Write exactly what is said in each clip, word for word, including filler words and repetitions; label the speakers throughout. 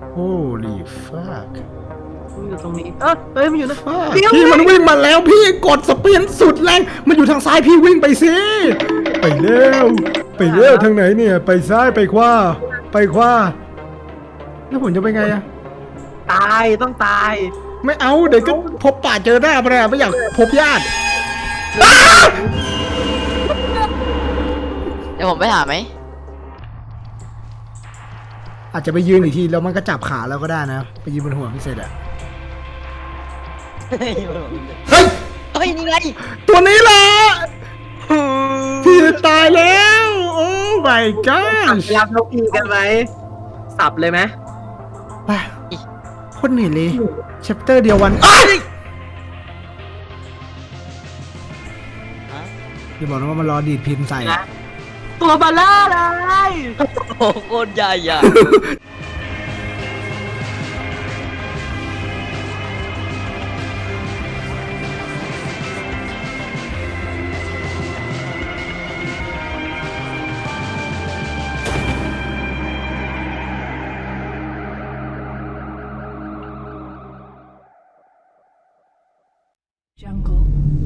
Speaker 1: Holy fuck
Speaker 2: มันอยู่ตรงนี้เออเฮ้ยมันอยู่นะ
Speaker 1: fuck
Speaker 2: เดี๋ยว
Speaker 1: พี่มันวิ่งมาแล้วพี่กดสเปียนสุดแรงมันอยู่ทางซ้ายพี่วิ่งไปสิไปเร็วไปเร็วทางไหนเนี่ยไปซ้ายไปขวาไปขวาแล้วผมจะไปไงอะ
Speaker 2: ตายต้องตาย
Speaker 1: ไม่เอาเดี๋ยวก็พบป่าเจอหน้าไปเลยไม่อยากพบญาติ
Speaker 3: เดี๋ยวผมไปหาไหม
Speaker 1: อาจจะไปยืนอีกทีแล้วมันก็จับขาเราก็ได้นะไปยืนบนหัวพี่เสร็จอะเฮ้ย
Speaker 3: เฮ้ยนี่ไง
Speaker 1: ตัวนี้แหละพี่ตายแล้วโอ้ my god
Speaker 2: รับนกอีกันไหมสับเลยไหม
Speaker 1: ไปโคตรเหนื่อยเลยแชปเตอร์เดียววันอ้ายอย่าบอกนะว่ามันรอดีดพินใส่อะ
Speaker 2: ตัวบาล่าเลย
Speaker 3: โอ้โคตรใหญ่อะ
Speaker 4: Jungle.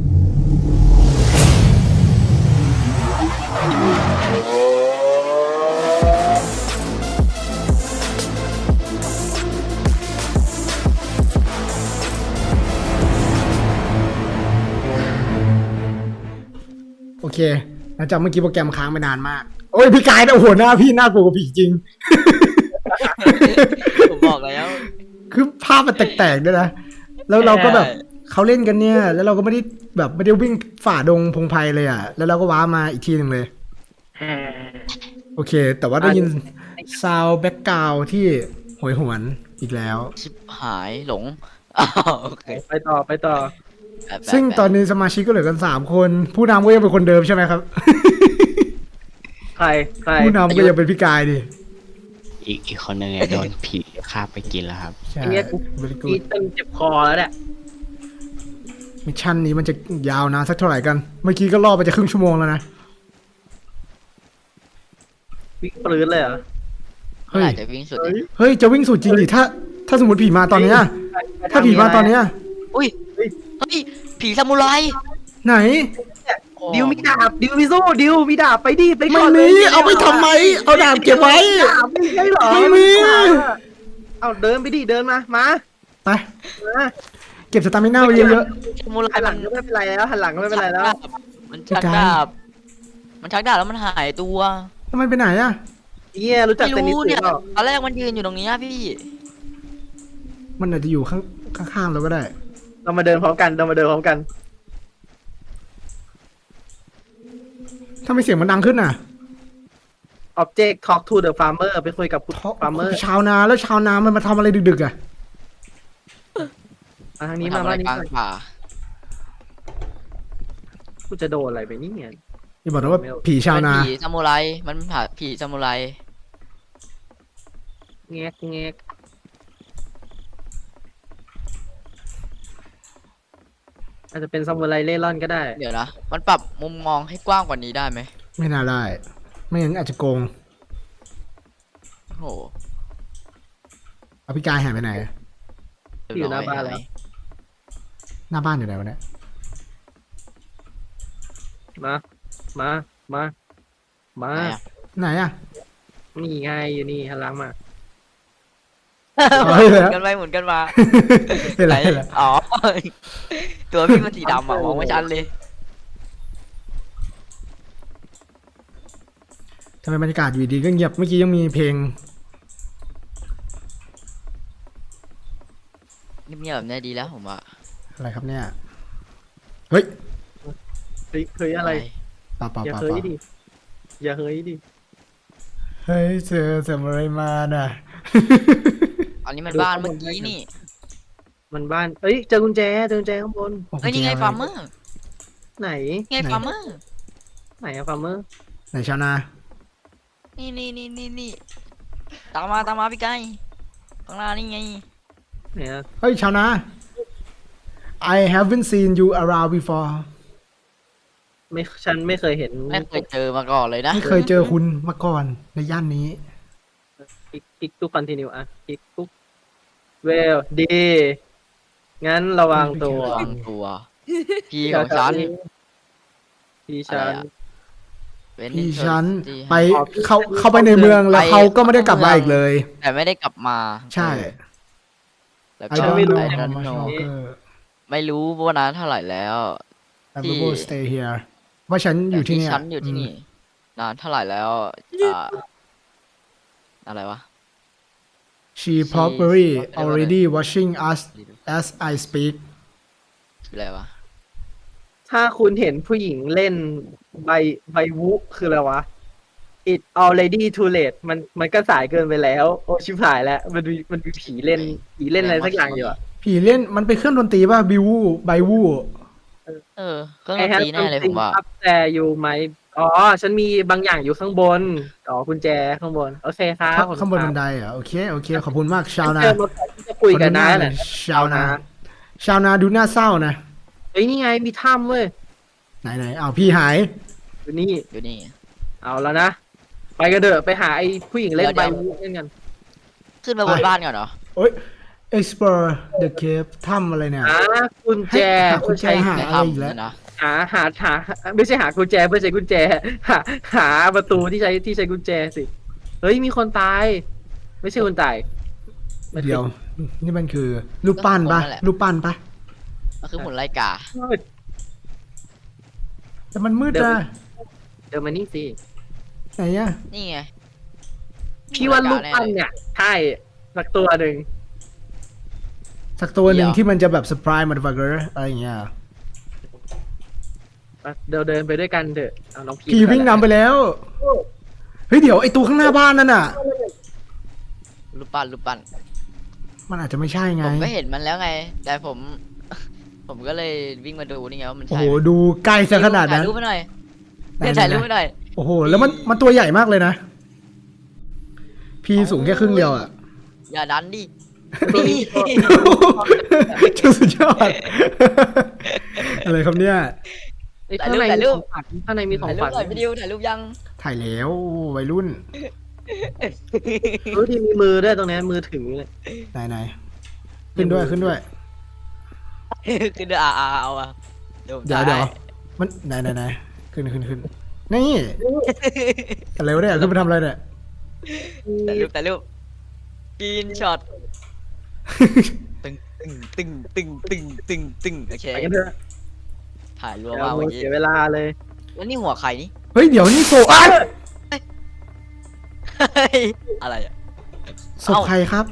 Speaker 1: โอเคหลังจากเมื่อกี้โปรแกรมค้างไปนานมากโอ้ยพี่กายนะโอ้โหหน้าพี่น่ากลัวกว่าผีจริง
Speaker 3: ผมบอกแล้ว
Speaker 1: คือภาพมันแตกๆด้วยนะแล้วเราก็แบบเขาเล่นกันเนี่ยแล้วเราก็ไม่ได้แบบไม่ได้วิ่งฝ่าดงพงไพเลยอ่ะแล้วเราก็ว้ามาอีกทีหนึ่งเลยโอเค แต่ว่าได้ยินซาวแบ็กกราวที่โหยหวนอีกแล้ว
Speaker 3: ชิบหายหลงอ้าวโอเค
Speaker 2: ไปต่อไปต่อ
Speaker 3: แปะแปะ
Speaker 1: ซึ่งตอนนี้สมาชิกก็เหลือกันสามคน ผู้นำก็ยังเป็นคนเดิมใช่ไหมครับ
Speaker 2: ใครใคร
Speaker 1: ผู้นำก็ยังเป็นพี่กายดิ
Speaker 5: อีกอีกคนหนึ่งเนี่ยโดนผีคาบไปกินแล้วครับ
Speaker 1: ใช่
Speaker 2: ไอ้เนี่ยกู
Speaker 1: very
Speaker 2: กี
Speaker 1: good
Speaker 2: ตึงเจ็บคอแล้วเนี่ย
Speaker 1: มิชชั่นนี้มันจะยาวนานสักเท่าไหร่กัน เมื่อกี้ก็ล่อไปจะครึ่งชั่วโมงแล้วนะ
Speaker 2: วิ่งปลื้นเลยเหรอ
Speaker 3: เมื่อไหร่จะวิ่งสุดเนี่ย
Speaker 1: เฮ้ยจะวิ่งสุดจริงดิถ้า ถ้าสมมติผีมาตอนเนี้ยถ้าผีมาตอนเนี้ย
Speaker 3: อุ้ยเฮ้ยผีซามูไร
Speaker 1: ไหน
Speaker 2: ดิวมีดาบดิวมีโซ่ดิวมีดาบไปดิไป
Speaker 1: ไม่
Speaker 2: ก่อนเล
Speaker 1: มี
Speaker 2: ย
Speaker 1: เอาไปทำไม เอาดาบเก็บไว้
Speaker 2: ดาบไม่ใช่เหรอ
Speaker 1: ไม่มี
Speaker 2: เอาเดินไปดิเดินมามา
Speaker 1: ไป
Speaker 2: มา
Speaker 1: เก็บสตามิน่าไว้เยอะ
Speaker 3: ซามูไร
Speaker 2: หันหลั
Speaker 3: มั
Speaker 2: ง
Speaker 3: น
Speaker 2: ก็ไม่เป็นไรแล้วหันหลังก็ไม่เป็นไรแล้ว
Speaker 3: มันชักดาบมันชักดาบแล้วมันหายตัว
Speaker 1: ๆแล้วมันไปไหนอะ
Speaker 2: เฮียรู้จัก
Speaker 3: ไม่
Speaker 2: เทนนิส
Speaker 3: รู้
Speaker 2: หรื
Speaker 3: เนี่ย
Speaker 2: อเปล่า
Speaker 3: ตอนแรกมันยืนอยู่ตรงนี้พี่
Speaker 1: มันอาจจะอยู่ข้างข้างๆเราก็ได้
Speaker 2: เรามาเดินพร้อมกันเรามาเดินพร้อมกัน
Speaker 1: ถ้าไม่เสียงมันดังขึ้นน่ะ
Speaker 2: Object Talk to the Farmer ไปคุยกับคุณ Farmer
Speaker 1: ชาวนาแล้วชาวนามันมาทำอะไรดึกๆอะ
Speaker 2: มาทางนี้
Speaker 3: มัน
Speaker 2: มา
Speaker 3: ทำอะไร
Speaker 2: บ้านนี้
Speaker 3: กลาง
Speaker 2: ก่อน
Speaker 3: ป่า
Speaker 2: กูจะโดนอะไรไปนี่เนี่ย
Speaker 1: อย่าบอกนะว่าผีชาวนา
Speaker 3: เป็นผีซามูไรมันผ่าผีซามูไร
Speaker 2: แงกแงกอาจจะเป็นซามูไรเล่ร่อนก็ได้
Speaker 3: เดี๋ยวนะมันปรับมุมมองให้กว้างกว่านี้ได้ไหม
Speaker 1: ไม่น่าได้ ไม่งั้นอาจจะโกง
Speaker 3: โอ้โห
Speaker 1: เอาพี่กายหายไปไหน
Speaker 2: อยู่หน้าบ้านแล้ว
Speaker 1: หน้าบ้านอยู่ไหนวะเนี่ย
Speaker 2: มา มา มา มา
Speaker 3: ไหนอะ
Speaker 1: ไหนอะ
Speaker 2: นี่ไงอยู่นี่หันหลังมา
Speaker 1: อ๋อเห็น
Speaker 3: หมุ
Speaker 1: แล้ว
Speaker 3: นกันไปหมุนกันมา
Speaker 1: เห็น
Speaker 3: ไหน
Speaker 1: แล้วเห็นแล้ว
Speaker 3: อ๋อ ตัวพี่มันสีดำอ่ะมองไม่ชัดเลย
Speaker 1: ทำไมบรรยากาศอยู่ดีก็เงียบ เมื่อกี้ยังมีเพลง
Speaker 3: เงียบๆแบบนี้ดีแล้วผมว่า
Speaker 1: อะไรครับเนี่ย เฮ้ย
Speaker 2: เฮ้ยเฮ้ยอะไร
Speaker 1: ป่าป่า
Speaker 2: อย่า
Speaker 1: ป่า
Speaker 2: เฮ้ย
Speaker 1: ป่า
Speaker 2: ดิ อย่าเฮ้ยดิ
Speaker 1: เฮ้ยเจอทำอะไรมาน่ะ
Speaker 3: อันนี้มันบ้านเมื่อกี้นี่
Speaker 2: มันบ้าน เอ้ย เจอกุญแจ เจอกุญแจข้างบน
Speaker 3: เฮ้ยนี่ไงฟาร์มเมอร์
Speaker 2: ไหน
Speaker 3: ไงฟาร์มเมอร์
Speaker 2: ไหนอะฟาร์มเมอร์
Speaker 1: ไหนชาวนา
Speaker 3: นี่นี่นี่นี่นี่ตามมาตามมาพี่ไก่ข้างหน้านี่ไง
Speaker 2: ไหนอะ
Speaker 1: เฮ้ยชาวนา I haven't seen you around before
Speaker 2: ไม่ ฉันไม่เคยเห็น
Speaker 3: ไม่เคยเจอมาก่อนเลยนะ
Speaker 1: ไม่เคยเจอคุณมาก่อนในย่านนี้
Speaker 2: คลิกคลิกทุกคอนติเนียอ่ะคลิกทุกเวลดีงั้นระวังตัว
Speaker 3: วางตัว พี่ของฉัน
Speaker 2: พี่ฉัน
Speaker 3: อะไรอะ เป็น
Speaker 1: พี่ฉัน
Speaker 3: ที่
Speaker 1: ไป
Speaker 2: อ๋อพี่
Speaker 1: เขา
Speaker 2: ฉัน
Speaker 1: เข้าไปในเมืองแล้ว
Speaker 3: ไป
Speaker 1: เขาก็ไม่ได้กลับมาอีกเลย
Speaker 3: แต่ไม่ได้กลับมา
Speaker 1: ใช่
Speaker 3: แล้ว
Speaker 1: I
Speaker 3: ก็
Speaker 1: don't
Speaker 2: ไม่รู้
Speaker 1: know
Speaker 3: I
Speaker 1: how
Speaker 3: don't
Speaker 1: much
Speaker 3: know
Speaker 1: longer
Speaker 3: ไม่รู้ว่านั้นเท่าไหร่แล้ว
Speaker 1: I
Speaker 3: ที่
Speaker 1: will stay here ว่าฉันอยู่ที่เนี่ย
Speaker 3: ฉันอยู่ที่นี่นานเท่าไหร่แล้วอ่าอะไรวะ
Speaker 1: She probably
Speaker 3: She-
Speaker 1: already watching us as I speak
Speaker 3: คืออะไรวะ
Speaker 2: ถ้าคุณเห็นผู้หญิงเล่นใบใบวุคืออะไรวะ it already too late มันมันก็สายเกินไปแล้ว โอ้ชิบหายแล้ว มันมีมันมีผีเล่นผีเล่นอะไรสักอย่างอยู่อะ
Speaker 1: ผีเล่นมันเป็นเครื่องดนตรีป่ะบิวไบวู
Speaker 3: เออเครื่องด
Speaker 2: I
Speaker 3: น
Speaker 2: have
Speaker 3: ตรีแน่เลยผม
Speaker 2: something
Speaker 3: ว่า
Speaker 2: up there you might อ๋อ ฉันมีบางอย่างอยู่ข้างบน อ๋อกุญแจข้างบน โอเคครับผม
Speaker 1: ข้างบนบันไดเหรอ่ะโอเคโอเคขอบคุณมากชาวนา
Speaker 2: เจอมาก่อนที่จะคุยกันนะ
Speaker 1: ขอดูหาห
Speaker 2: แห
Speaker 1: น่อ
Speaker 2: ละ
Speaker 1: ยชาวนา ชาวนาดูน่าเศร้านะ
Speaker 2: เฮ้ยนี่ไงมีถ้ำเว้ย
Speaker 1: ไหนไหนอ้าวพี่หาย
Speaker 2: อยู่นี่
Speaker 3: อยู่นี่
Speaker 2: เอาแล้วนะ ไปกันเถอะไปหาไอ้ผู้หญิงเล่น
Speaker 3: เดี๋
Speaker 2: ใบ
Speaker 3: ยว
Speaker 2: วุเล่นกัน
Speaker 3: ขึ้นไปบนบ้านก่อนเหรอ
Speaker 1: โอ้ย explore the cave ถ้ำอะไรเนี่ย
Speaker 2: หากุญแจ
Speaker 1: หากุญแจ
Speaker 2: เพื่อใช้
Speaker 1: หา
Speaker 3: ใน
Speaker 1: อะไร
Speaker 3: ถ้ำ
Speaker 1: อีกแล้ว
Speaker 3: นี่นะ
Speaker 2: หาหาหาไม่ใช่หากุญแจเพื่อใช้กุญแจ หาหาประตูที่ใช้ที่ใช้กุญแจสิ เฮ้ยมีคนตาย ไม่ใช่คนตายไม่ใช่
Speaker 1: เดี๋ยว นี่มันคือรูปปั้นปะรูปปั้นปะ
Speaker 3: มันคือหุ่นไลกา
Speaker 1: แต่มันมืดนะ
Speaker 2: เดี๋ยวมานี่สิ
Speaker 1: ไหนอะ
Speaker 3: นี่ไง
Speaker 2: พี่ว่าลูกปั้นเนี่ยใช่สักตัวหนึ่ง
Speaker 1: สักตัวหนึ่ง
Speaker 3: เดี๋ยว
Speaker 1: ที่มันจะแบบ surprise motherfucker อะไรอย่างเงี้ย
Speaker 2: เดินเดินไปด้วยกันเถอะเอาน้องพี
Speaker 1: พี่วิ่งนำไปแล้ว เฮ้ยเดี๋ยวไอตัวข้างหน้าบ้านนั่นน่ะ
Speaker 3: รูปปั้นรูปปั้น
Speaker 1: มันอาจจะไม่ใช่ไง
Speaker 3: ผมก็เห็นมันแล้วไง แต่ผม ผมก็เลยวิ่งมาดูนี่ไงว่ามัน
Speaker 1: โอ้
Speaker 3: ใช่
Speaker 1: โห
Speaker 3: ไหม
Speaker 1: ดูใกล้ซะขนาดนั้น
Speaker 3: ถ่ายรูปไปหน่อย
Speaker 1: ไหน
Speaker 3: เนี่ยถ่ายรูปไปหน่อย
Speaker 1: โอ้โห แล้วมันมันตัวใหญ่มากเลยนะ พี่สูงแค่ครึ่งเดียวอ่ะ
Speaker 3: อย่าดันดิ
Speaker 1: จะสุดยอด อะไรครับเนี่ย
Speaker 2: เอ้ยข้างในมีของขวัญข้างในมีของ
Speaker 3: ถ่ายรู
Speaker 2: ข
Speaker 3: ป
Speaker 2: วัญ
Speaker 3: หน่อยวิดีโอถ่ายรูปยัง
Speaker 1: ถ่ายแล้ววัยรุ่น
Speaker 2: รู้ที่มีมือด้วยตรงนี้มือถือเลย
Speaker 1: ไหนไหนขึ้นด้วยขึ้นด้วย
Speaker 3: คือเดี๋ยวอาอาเอาอะเดี๋ยวผม
Speaker 1: เดี๋ยว
Speaker 3: ถ่า
Speaker 1: เดี๋ยวมันไหนไหนไหนขึ้นขึ้นขึ้นนี่อะไรวะเนี่ยขึ้นไปทำอะไรเนี่ย
Speaker 3: ถ่ายรูปถ่ายรูปกินช็อตตึงตึงตึงตึงตึงตึงโอเค
Speaker 2: ไปกันเถอะ
Speaker 3: ถ่ายรัว
Speaker 2: เดี๋ยว
Speaker 3: มาก
Speaker 2: มื
Speaker 3: เมื่
Speaker 2: อ
Speaker 3: อกี้
Speaker 2: เสียเวลาเลย
Speaker 3: แล้วนี่หัวใครนี่
Speaker 1: เฮ้ยเดี๋ยวนี่โซอ่ะ
Speaker 3: เฮ้ยอะไรอะ
Speaker 1: ศพใครครับ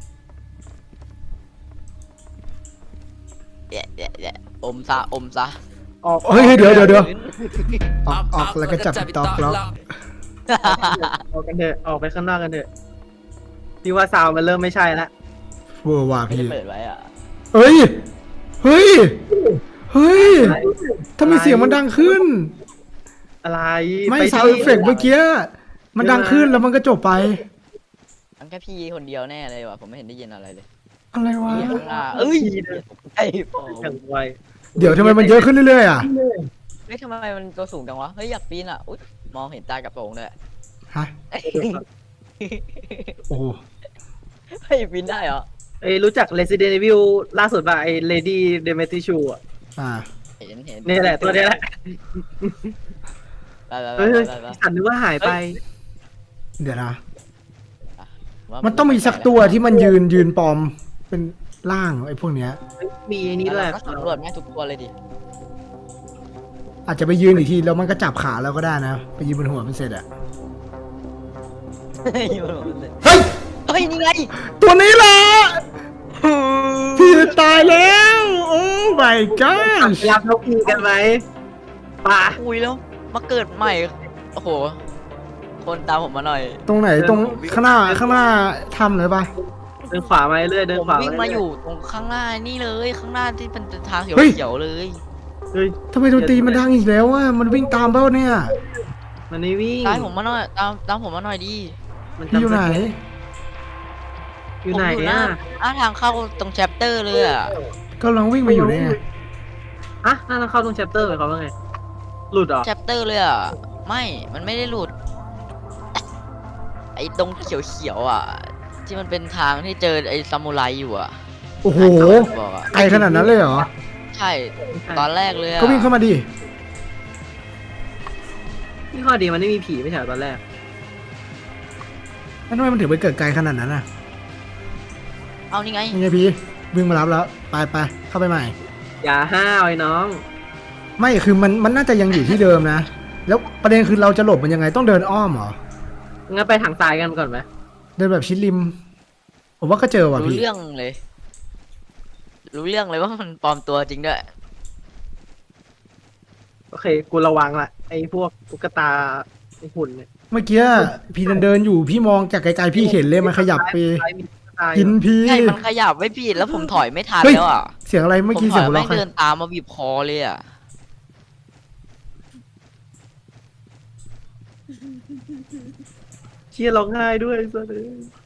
Speaker 3: เดี๋ยวเดี๋ยวเดี๋ยวอมซะอมซะ
Speaker 2: ออก
Speaker 1: เฮ้ยเฮ้ยเดี๋ยวเดี๋ยวเดี๋ยวออกออกแล้วก็จับติ๊กต็อกแล้ว
Speaker 2: ออกกันเถอะออกไปข้างนอกกันเถอะพี่ว่าซาวด์มันเริ่มไม่ใช่ละ
Speaker 1: เวอร์ว่ะ
Speaker 3: ไม่
Speaker 1: พี่
Speaker 3: ได้เปิดไว้อะ
Speaker 1: เฮ้ยเฮ้ยเฮ้ยทำไมเสียงมันดังขึ้น
Speaker 2: อะไร
Speaker 1: ไม่
Speaker 2: ป
Speaker 1: ซาว
Speaker 2: ที่
Speaker 1: เอฟเฟกต์เมื่อกี้มันดังขึ้นแล้วมันก็จบไป
Speaker 3: มันแค่พี่คนเดียวแน่เลยว่ะผมไม่เห็นได้ยินอะไรเลย
Speaker 1: อะไรวะ
Speaker 3: เหี้ยข้างหน้าเอ้ยไอ้ผม
Speaker 2: อย่างไว
Speaker 1: เดี๋ยวทำไมมันเยอะขึ้นเรื่อยๆอ่ะ
Speaker 3: เฮ้ยทำไมมันตัวสูงจังวะเฮ้ยอยากปีนอ่ะอุ๊ยมองเห็นตากระโปรงเลย
Speaker 1: ฮะโอ้โห
Speaker 3: เฮ้ยปีนได้เหรอ
Speaker 2: เอ้ยรู้จัก Resident Evil ล่าสุดป่ะไอ้ Lady Demetri อ่ะ
Speaker 1: อ่า
Speaker 3: เห็นเห็น
Speaker 2: นี่แหละตัวนี้แหละ
Speaker 3: ไปไปไป
Speaker 2: เฮ้ย
Speaker 3: ไปไป
Speaker 2: ฉันนึกว่าหายไป
Speaker 1: เดี๋ยวนะ
Speaker 3: ว่า
Speaker 1: มันต้องมีสักตัวที่มันยืนยืนปลอมเป็นร่างไอ้พวกเนี้ย
Speaker 2: มีไอ้นี้ด้วย
Speaker 3: เราก็สำรวจแม่งทุกตัวเลยดิ
Speaker 1: อาจจะไปยืนอีกทีแล้วมันก็จับขาเราก็ได้นะ ไปยืนบนหัวมันเสร็จอะ
Speaker 3: เฮ้ย
Speaker 1: เฮ้ย
Speaker 3: เฮ้ยนี่ไง
Speaker 1: ตัวนี้แหละ พี่ตายแล้ว โอ้ my god
Speaker 2: รับนกพีกันไหมป่ะ
Speaker 3: อุ้ยแล้วมาเกิดใหม่โอ้โหคนตามผมมาหน่อย
Speaker 1: ตรงไหนตรงข้างหน้าข้างหน้าทำเลยปะ
Speaker 2: เดินขวามาเรื่อยเดิน
Speaker 3: ผม
Speaker 2: ขวา
Speaker 3: วิ่ง
Speaker 2: มา
Speaker 3: มา
Speaker 2: เรื่อย
Speaker 3: อยู่ตรงข้างหน้านี่เลยข้างหน้าที่เป็นทางเขียว
Speaker 1: เฮ้ย
Speaker 3: เขียวๆเลย
Speaker 2: เฮ้ย
Speaker 1: ทำไมดนตรีมันดังอีกแล้วอะมันวิ่งตามเป้าเนี่ย
Speaker 2: มันไม่วิ่ง
Speaker 3: ตามผมมาหน่อยตามตามผมมาหน่อยดิ
Speaker 2: มัน
Speaker 1: พี่อยู่ไหน
Speaker 2: อยู่ไหน
Speaker 3: ผม
Speaker 2: อ่ะ
Speaker 3: หน้าทางเข้าตรงแชปเตอร์เลยอ่ะ
Speaker 1: ก็ลองวิ่งมาอยู่เนี่ย
Speaker 2: อะน่าจะเข้าตรง chapter หมายความว่าไง หลุดเหรอ
Speaker 3: แชปเตอร์เลยอ่ะไม่มันไม่ได้หลุดไอ้ตรงเขียวๆอ่ะ ที่มันเป็นทางที่เจอไอ้ซามูไรอยู่อ่ะ
Speaker 1: โอ้โห
Speaker 3: บอกอ่ะ
Speaker 1: ไกลขนาดนั้นเลยเหรอ
Speaker 3: ใช่ ตอนแรกเลยอ่ะ
Speaker 1: ก็วิ่งเข้ามาดิ
Speaker 2: นี่ข้อดีมันไม่มีผีไม่ใช่เหรอตอนแรก
Speaker 1: แล้วทำไมมันถึงไปเกิดไกลขนาดนั้นอ่ะ
Speaker 3: เอานี่ไง
Speaker 1: ยังไงพี่วิ่งมารับแล้ว ไปไปเข้าไปใหม่
Speaker 2: อย่าห้าวไอ้น้อง
Speaker 1: ไม่คือมันมันน่าจะยังอยู่ที่เดิมนะ แล้วประเด็นคือเราจะหลบมันยังไงต้องเดินอ้อมเหรอ
Speaker 2: งั้นไปทางซ้ายกันก่อนไหม
Speaker 1: เดินแบบชิดริม ผมว่าก็เจอว่ะ
Speaker 3: รู้
Speaker 1: พี่
Speaker 3: เรื่องเลย รู้เรื่องเลยว่ามันปลอมตัวจริงด้วย
Speaker 2: โอเค กูระวังละไอ้พวกตุ๊กตาไอ้หุ่นเนี่ย
Speaker 1: เมื่อกี้พี่เดินเดินอยู่พี่มองจากไกลๆพี่เห็นเลยมันขยับไป
Speaker 2: ซ้ายมีตุ๊กตาอ
Speaker 1: กิน
Speaker 2: ยู่
Speaker 1: พี่
Speaker 3: ใช่ มันขยับไม่ผิดแล้วผมถอยไม่ทัน
Speaker 1: เฮ้ย
Speaker 3: แล้วอ่ะ
Speaker 1: เสียงอะไร
Speaker 3: ผ
Speaker 1: เมื่อ
Speaker 3: ม
Speaker 1: กี้
Speaker 3: ถ
Speaker 1: เสีย
Speaker 3: อง ย
Speaker 1: หัว
Speaker 3: ไม่
Speaker 1: เราะใคร
Speaker 3: เดินตามมาบีบคอเลยอ่ะ
Speaker 2: เชี่ยร้องไห้ด้วยซะเลย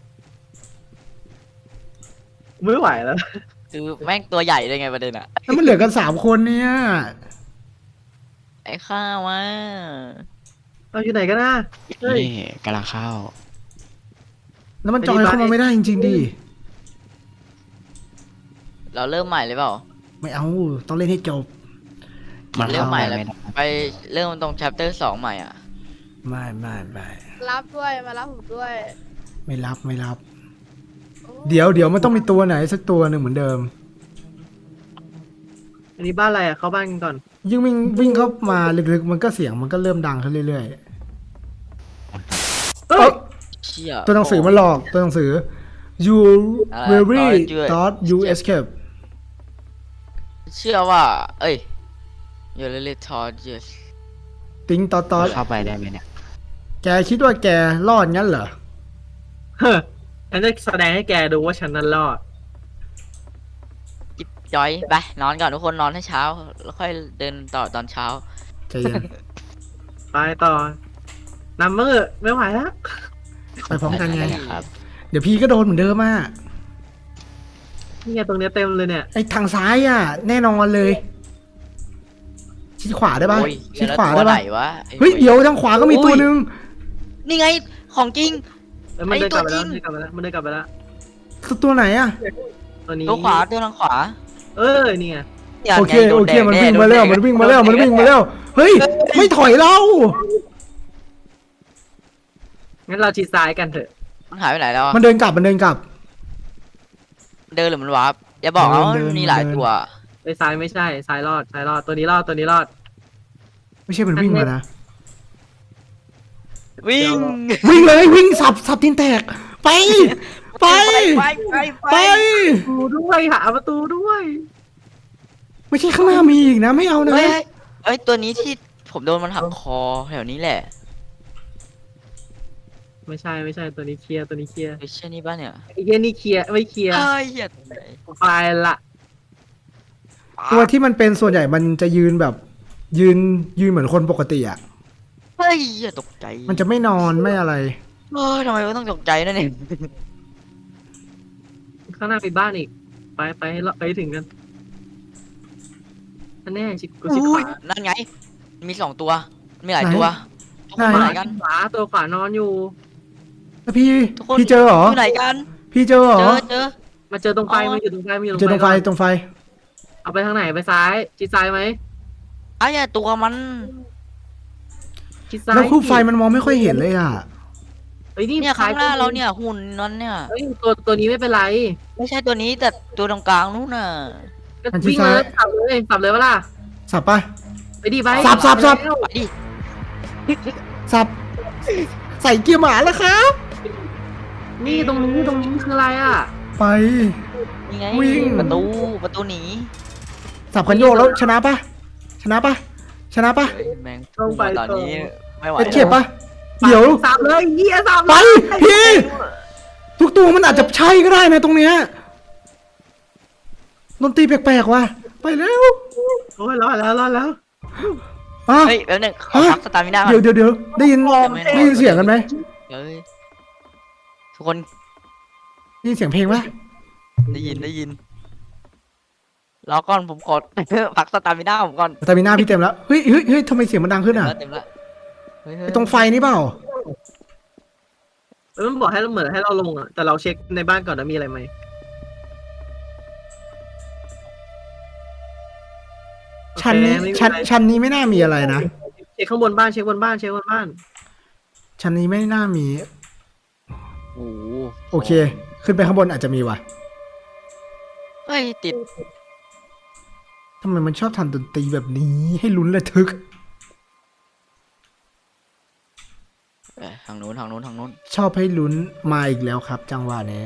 Speaker 2: ไม่ไหวแล้ว
Speaker 3: คือแม่งตัวใหญ่เลยไงประเด็นอ่ะ
Speaker 1: แล้วมันเหลือกันสามคนเนี่ย
Speaker 3: ไอ้ข้าวว่า
Speaker 2: เราอยู่ไหนกันนะเฮ้ย
Speaker 5: นี่กำลังเข้า
Speaker 1: แล้วมันจอยเข้ามาไม่ได้จริงๆดิ
Speaker 3: เราเริ่มใหม่เลยเปล่า
Speaker 1: ไม่เอาต้องเล่นให้จบ
Speaker 5: มัน
Speaker 3: เริ่ม
Speaker 5: เข้า
Speaker 3: ใหม่
Speaker 5: ไป
Speaker 3: แล้ว
Speaker 5: ไม่ได้
Speaker 3: ไปเริ่มตรง chapter สองใหม่อ่ะ
Speaker 1: ไม่ไม่ไม่
Speaker 4: รับด้วยมารับผมด้วย
Speaker 1: ไม่รับไม่รับ เดี๋ยวเดี๋ยวมันต้องมีตัวไหนสักตัวหนึ่งเหมือนเดิม
Speaker 2: อันนี้บ้านอะไรอ่ะเข้าบ้านกันก่อน
Speaker 1: ยิ่งวิ่งวิ่งเข้ามาลึกๆมันก็เสียงมันก็เริ่มดังขึ้นเรื่อย
Speaker 2: เฮ้
Speaker 1: ๆเอ้
Speaker 2: ย
Speaker 1: ย
Speaker 3: เชี่ย
Speaker 1: ตัวหนังสือมันหลอกตัวหนังสือ you
Speaker 3: อะไร
Speaker 1: very
Speaker 3: Thought you-
Speaker 1: thought you escape
Speaker 3: เชื่อว่า เอ้ย you really thought yes
Speaker 1: ติ้งตอตอ
Speaker 5: เข้าไปได้ไหมเนี่ย
Speaker 1: แกคิดว่าแกรอดงั้นเหรอ
Speaker 2: เฮ้ยฉันจะแสดงให้แกดูว่าฉันนั้นรอด
Speaker 3: จิ๊บจ้อยไปนอนก่อนทุกคนนอนให้เช้า แล้วค่อยเดินต่อตอนเช้า
Speaker 1: ใจเย็น
Speaker 2: ไปต่อนำมือไม่ไหวแล้ว
Speaker 1: ไปพร้อมกันไง
Speaker 5: ครับ
Speaker 1: เดี๋ยวพี่ก็โดนเหมือนเดิมอ่ะ
Speaker 2: นี่ไงตรงเนี้ยเต็มเลยเนี่ย
Speaker 1: ไอ้ทางซ้ายอ่ะ แน่นอนเลย ชิดขวาได้ปะ
Speaker 3: โอ้ย
Speaker 1: ชิด
Speaker 3: แล้ว
Speaker 1: ขวา
Speaker 3: ตั
Speaker 1: ได้
Speaker 3: วไหน
Speaker 1: ปะ
Speaker 3: วะไอ้
Speaker 1: เฮ้ย
Speaker 3: ว้
Speaker 1: เดี๋ยวทางขวาก็มีตัวหนึ่ง
Speaker 3: นี่ไง ของจริง
Speaker 2: เอ้ยมันเดินกลับไปแล้ว
Speaker 3: ไอ้ตัวจริง
Speaker 2: มันเดินกลับไปแล้วมันเดินกลับไปแล้ว
Speaker 1: ตัวไหนอ่ะ
Speaker 2: ตัวนี้
Speaker 3: ตัวขวาตัวทางขวา
Speaker 2: เออนี่ไง
Speaker 3: นี่ย
Speaker 1: โอเค
Speaker 3: ไงโด
Speaker 1: โอน เค
Speaker 3: แดง
Speaker 1: มัน
Speaker 3: แ
Speaker 1: วิ่งมาแล้ว
Speaker 3: โด
Speaker 1: มัน
Speaker 3: แด
Speaker 1: วิ่งมาแล้ว มันวิ่งมาแล้ว เฮ้ย ไม่ถอยเรา
Speaker 2: งั้นเราชิดซ้ายกันเถอะ
Speaker 3: มันหายไปไหนแล้วอะ
Speaker 1: มันเดินกลับ มันเดินกลับ
Speaker 3: เดินหรือมันวาร์ปอย่าบอกนะว่า
Speaker 1: เดิน
Speaker 3: มันมีหลาย
Speaker 1: เดิน
Speaker 3: ตัว
Speaker 2: ไปซ้ายไม่ใช่ซ้ายรอดซ้ายรอดตัวนี้รอดตัวนี้รอด
Speaker 1: ไม่ใช่มันวิ่งมานะ
Speaker 3: วิ่ง
Speaker 1: วิ่งเลยวิ่งสับสับตีนแตก ไป ไป
Speaker 3: ไปไป
Speaker 1: ไป
Speaker 2: ประตูด้วยหาประตูด้วย
Speaker 1: ไม่ใช่ข้างหน้ามีอีกนะ ไม่เอานะ
Speaker 3: เฮ้ยเฮ้ยเอ้ยตัวนี้ที่ผมโดนมันหักคอแถวนี้แหละ
Speaker 2: ไม่ใช่ไม่ใช่ตัวนี้เคลียร์ตัวนี้เคลียร์
Speaker 3: ไอ้เช่นนี้ป่ะเนี่ย
Speaker 2: ไอ้เหี้ยนี่เคลียร์ไม่เคลียร์
Speaker 3: เอ้ยเหี้ย
Speaker 2: ไปละ
Speaker 1: ตัวที่มันเป็นส่วนใหญ่มันจะยืนแบบ ยืนยืนเหมือนคนปกติอ่ะ
Speaker 3: เฮ้ยเหี้ยตกใจ
Speaker 1: มันจะไม่นอนไม่อะไร
Speaker 3: เอ้ยทำไมก็ต้องตกใจนั่นเอง
Speaker 2: ข้างหน้าไปบ้านอีก ไปไปให้เราไปให้ถึงกันอันแน่ชิกูชิข
Speaker 3: อุ้
Speaker 2: วาย
Speaker 3: นั่นไง มีสองตัว มีหลายตัว ทุกคน
Speaker 1: ไหน
Speaker 3: อยู่ไหนกัน
Speaker 2: ขวาตัวขวานอนอยู่
Speaker 1: แล้วพี่
Speaker 3: ทุกคน
Speaker 1: พี่เจอเหรอ
Speaker 3: อยู่ไหนกัน
Speaker 1: พี่เจอเหร
Speaker 3: เจ
Speaker 1: อ
Speaker 3: อเจอ
Speaker 2: มาเจอตรงไฟ
Speaker 3: อ๋อ
Speaker 2: มันอยู่ตรงไฟมันอยู่
Speaker 1: เจอตรงไฟ
Speaker 2: ก่น
Speaker 1: ตรงไฟ
Speaker 2: เอาไปทางไหนไปซ้ายชิดซ้ายไหม
Speaker 3: ไอ้เหี้ยตัวมัน
Speaker 2: ชิดซ้าย
Speaker 1: แล้วคู่ไฟมันมองไม่ค่อยเห็นเลยอ่ะ
Speaker 2: เอ้ยนี่
Speaker 3: เนี่ยข้างหน้า
Speaker 2: ซ้ย
Speaker 3: เราเนี่ยหุ่นนั้นเนี่ย
Speaker 2: เอ้ยตัวตัวนี้ไม่เป็นไร
Speaker 3: ไม่ใช่ตัวนี้แต่ตัวตรงกลางนู้นน่ะ
Speaker 2: ก็
Speaker 1: อันที่
Speaker 2: วิ่งมา
Speaker 1: ซ้าย
Speaker 2: สับเลยสับเลยเวล่ะ
Speaker 1: สับปะ
Speaker 2: ไปดิไป
Speaker 1: สับสับสับ
Speaker 2: แล้ว
Speaker 3: ไปดิ
Speaker 1: สับ ใส่เกียร์หมาแล้วครับ
Speaker 2: นี่ตรงนี้ตรงนี้คืออะไรอ่ะ
Speaker 1: ไป
Speaker 3: นี่ไง
Speaker 1: วิ่ง
Speaker 3: ประตูประตูหนี
Speaker 1: สับคันโยกแล้วชนะปะชนะปะชนะปะ
Speaker 3: เฮ้ยแมงพุ่งมาตอนนี้ไม่ไหว
Speaker 1: เอ็ดเข็บปะ
Speaker 2: สับ
Speaker 1: เดี๋ยว
Speaker 2: สับเลยเหี้ยสับ
Speaker 1: ไป
Speaker 2: เลย
Speaker 1: พี่ ทุกตัวมันอาจจะใช่ก็ได้นะตรงเนี้ยดนตรีแปลกๆว่ะ ไปแล้ว
Speaker 2: โอ้ยรอดแล้วรอดแล้ว
Speaker 1: อ่ะ
Speaker 3: เฮ้ยแป๊บนึงขอ
Speaker 1: ฮะ
Speaker 3: พักสตาร์มิน่าก่อน
Speaker 1: เดี๋ยวเดี๋ยวเดี๋ยวได้ยิน
Speaker 3: ไม่
Speaker 1: ได้ยินเสียงกันไหม
Speaker 3: เฮ้ยทุกคน
Speaker 1: ได้ยินเสียงเพลงปะ
Speaker 3: ได้ยินได้ยินรอก่อนผมขอ พักสตาร์มิน่าผมก่อน
Speaker 1: แต่มีหน้าพี่เต็มแล้ว เฮ้ยเฮ้ยเฮ้ยทำไมเสียงมันดังขึ้นอ่ะ
Speaker 3: เต็มละเต็มละเฮ้ยเฮ้ย
Speaker 1: ไอ้ตรงไฟนี่เปล่า
Speaker 2: แล้วมันบอกให้เราเหมือนให้เราลงอ่ะแต่เราเช็คในบ้านก่อนนะมีอะไรไหม
Speaker 1: ชั้นนี้
Speaker 2: โอเคไม่มี
Speaker 1: ชั้น
Speaker 2: อะไร
Speaker 1: ชั้นนี้ไม่น่ามีอะไรนะ
Speaker 2: เช็คข้างบนบ้านเช็คบนบ้านเช็คบนบ้าน
Speaker 1: ชั้นนี้ไม่น่ามี
Speaker 3: โอ้โห
Speaker 1: โอเค ขึ้นไปข้างบนอาจจะมีว่ะ
Speaker 3: เฮ้ยติด
Speaker 1: ทำไมมันชอบทำดนตรีแบบนี้ให้ลุ้นระทึก
Speaker 3: เอ้ยทางนู้นทางนู้นทางนู้น
Speaker 1: ชอบให้ลุ้นมาอีกแล้วครับ จังหวะนี้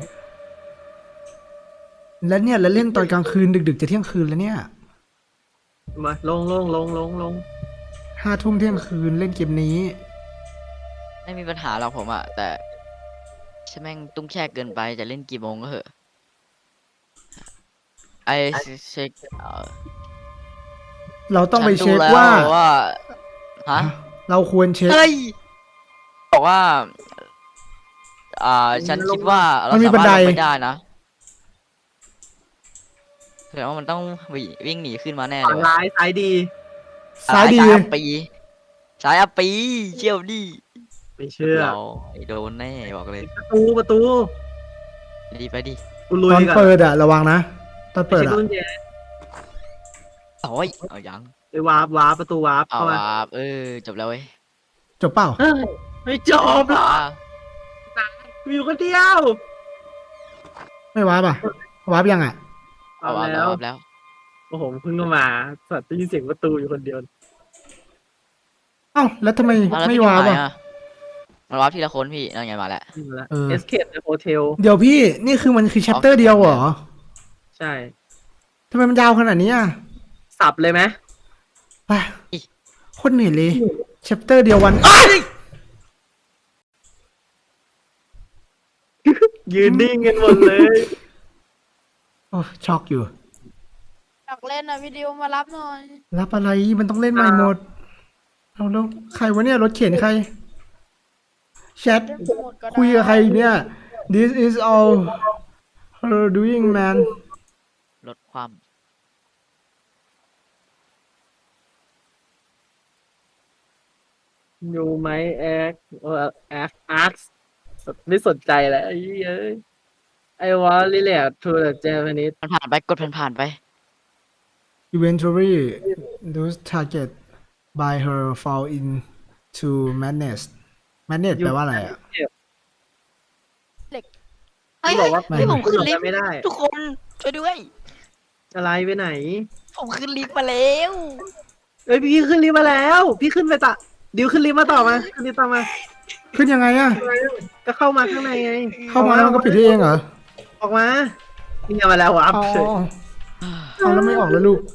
Speaker 1: แล้วเนี่ยแล้วเล่นตอนกลางคืนดึกๆจะเที่ยงคืนแล้วเนี่ย
Speaker 2: มาลงลงลงลงลง
Speaker 1: ห้าทุ่มเที่ยงคืนเล่นเกมนี้
Speaker 3: ไม่มีปัญหาหรอกผมอะแต่ใช่แม่งตุ้งแช่เกินไปจะเล่นกี่โมงก็เหอะไอเช็คเอ่อ
Speaker 1: เราต้องไป
Speaker 3: ฉัน
Speaker 1: เช็ค
Speaker 3: ดูแล้ว
Speaker 1: ว่า
Speaker 3: ว่าฮะ
Speaker 1: เราควรเช็ค
Speaker 3: เฮ้ยบอกว่า อ่า ฉันคิดว่าเรา
Speaker 1: มันมี
Speaker 3: สา
Speaker 1: บัน
Speaker 3: มารถ
Speaker 1: ได
Speaker 3: ลงไปได้นะแสดงว่ามันต้องวิ่งวิ่งหนีขึ้นมาแน่เล
Speaker 2: ฝั่ง
Speaker 3: ยว่ะ
Speaker 2: ร้ายซ้ายดี
Speaker 1: ซ้ายดี
Speaker 3: ซ้ายอัปปีซ้ายอัปปีเชี่ยวดิ
Speaker 2: ไม่เชื่อ
Speaker 3: เราไอ้โดนแน่บอกเลย
Speaker 2: ประตูประตู
Speaker 3: ดีไปดิ
Speaker 2: กูลุ
Speaker 1: ต
Speaker 2: ย
Speaker 1: อน
Speaker 2: ก่อน
Speaker 1: เปิดอะระวังนะ ตอนเปิด
Speaker 2: เช็ค
Speaker 1: อะ
Speaker 2: กุญแจ
Speaker 3: โอ้ยเอายัง
Speaker 2: ไปวาร์ปวาร์ปประตูวาร์ป
Speaker 3: เอา
Speaker 2: เข้ามา
Speaker 3: อ่ะเออจบแล้วเว้ย
Speaker 1: จบเปล่า
Speaker 2: เฮ้ยไม่จบหรอก
Speaker 3: อ่ะ
Speaker 2: มีอยู่คนเดียว
Speaker 1: ไม่ว้าป่ะว้าบยังอะ
Speaker 2: เอา
Speaker 3: เอา
Speaker 2: แล้
Speaker 3: แล้ว
Speaker 2: ว
Speaker 3: เอาแล้ว
Speaker 2: โอ้โหเพิ่งเข้ามาสัตว์ได้ยินเสียงประตูอยู่คนเดียว
Speaker 1: เอ้าแล้วทำไม
Speaker 3: เอาแล้ว
Speaker 1: ไม่
Speaker 3: พี่
Speaker 1: ว้า
Speaker 3: ทำ
Speaker 1: บ
Speaker 3: ไม
Speaker 1: อะ
Speaker 3: อ่ะมันวับทีละคนพี่นั่นไงมาแล้ว
Speaker 2: นี่มาแล้ว
Speaker 1: เออ
Speaker 2: Escape ในโฮเทล
Speaker 1: เดี๋ยวพี่นี่คือมันคือแชปเตอร์เดียวเหรอ
Speaker 2: ใช่
Speaker 1: ทำไมมันยาวขนาดนี้อะ
Speaker 2: สับเลยไหม
Speaker 1: ไปโคตรเหนื่อยเลยแชปเตอร์เดียววันอ้าย
Speaker 2: ยืนนิ่งกันหมดเลย
Speaker 1: โอ้ช็อกอยู่
Speaker 4: อยากเล่นอ่ะวิดีโอมารับหน่อย
Speaker 1: รับอะไรมันต้องเล่นใหม่หมดเอาแล้วใครวะเนี่ยรถเข็นใครแชท
Speaker 4: เล่นหมดก็ได้
Speaker 1: คุยกับใครเนี่ย this is all her doing man
Speaker 3: ลดความ
Speaker 2: อยู่ไหมแอคเออแอคอาร์ตไม่สนใจแล้วไอ้เอ้ยไอ้วอลลี่แหละทูเดอะเจแปนิส
Speaker 3: มันผ่านไปกดผ่านๆไป
Speaker 1: eventually those target by her fall into madness madness แปลว่าอะไรอ่ะ
Speaker 3: เฮ้ย
Speaker 2: บอกว่า
Speaker 1: ไม่
Speaker 3: เฮ้ยผม
Speaker 2: ขึ้
Speaker 3: ขึ้
Speaker 2: น
Speaker 3: นลิฟต์
Speaker 2: ไม่ได้
Speaker 3: ทุกคนช่วยด้วย
Speaker 2: อะไรไปไหน
Speaker 3: ผมขึ้นลิฟต์มาแล้ว
Speaker 2: เอ้ยพี่ขึ้นลิฟต์มาแล้ว พี่ขึ้นไปต่อดิวขึ้นลิฟต์มาต่อมาขึ้นลิฟต์ต่อมา
Speaker 1: ขึ้นยังไงอ่ะ
Speaker 2: ก็เข้ามาข้างในไง
Speaker 1: เข้ามาแล้วมันก็ปิดได้เองเหรอ
Speaker 2: ออกมานี่ไงมาแล้ววับ
Speaker 1: อ๋อ
Speaker 2: เฉย
Speaker 1: เอาแล้วไม่ออกแล้วลูก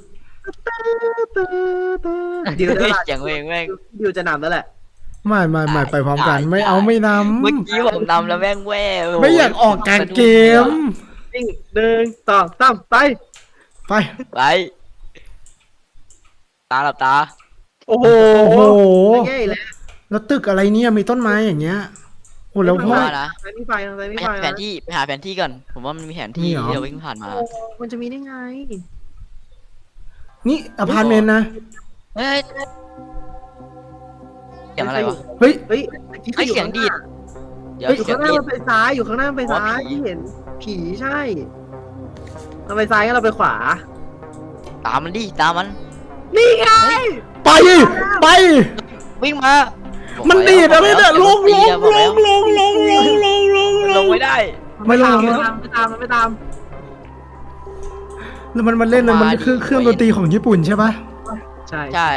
Speaker 2: ดิวจะหลับ
Speaker 3: เสียงเพลงแม่ง
Speaker 2: ดิวจะนำแล้วแหละ
Speaker 1: ไม่ไม่ไม่ไปพร้อมกัน
Speaker 3: ได้
Speaker 1: ไม่เอาไม่น
Speaker 3: เมื่อกี้ผมนำแล้วแม่งแว่ว
Speaker 1: ำไม่อยากออกกลางเกม
Speaker 2: วิ่งหนึ่งสองสามไป
Speaker 1: ไป
Speaker 3: ไปตาหลับตา
Speaker 2: โอ้โห
Speaker 1: โอ้โห
Speaker 2: ง่ายแล้ว
Speaker 1: แล้วตึกอะไรเนี่ยมีต้นไม้อย่างเงี้ยโอ้แล้ว
Speaker 3: ผม
Speaker 1: พ่อ
Speaker 3: ว่านะ
Speaker 2: ทางนี้ไฟทางนี้
Speaker 3: ไป
Speaker 2: ไฟ
Speaker 3: หาแผนที่ไปหาแผนที่ก่อน ผมว่ามันมีแผนที่
Speaker 1: มีเหรอ
Speaker 3: ที่เราวิ่งผ่านมา
Speaker 2: มันจะมีได้ไง
Speaker 1: นี่อพาร์ตเมนต์นะ
Speaker 3: เฮ้ยเสียงอะไรวะ
Speaker 1: เฮ้ย
Speaker 2: เฮ้ยเมื่อกี้
Speaker 3: เฮ้ย
Speaker 2: อยู่
Speaker 3: เสียง
Speaker 2: ข้างห
Speaker 3: ดี
Speaker 2: น้า
Speaker 3: ด เดี๋ยว
Speaker 2: อยู่
Speaker 3: เสีย
Speaker 2: ข้าง งหน้า
Speaker 3: ดีด
Speaker 2: มันไปซ้ายอยู่ข้างหน้ามันไปซ้าย
Speaker 3: อ๋อผี
Speaker 2: ที่เห็นผีใช่เราไปซ้ายก็เราไปขวา
Speaker 3: ตามมันดิตามมัน
Speaker 2: นี่ไง
Speaker 1: ไป ไป
Speaker 3: วิ่งมา
Speaker 1: มันดีดอะไรเนี่ยลงลง
Speaker 3: บอก
Speaker 1: ล
Speaker 3: แล้ว
Speaker 1: งลงลงลงลงลง
Speaker 3: ลงไม่ได้
Speaker 1: ไม่ลง
Speaker 2: ไม่ตามไม่ตามไม่ตาม
Speaker 1: แล้วมันมันเล่นเลยมันคือเครื่องดนตรีของญี่ปุ่นใช่ปะ
Speaker 2: ใช่
Speaker 3: ใช่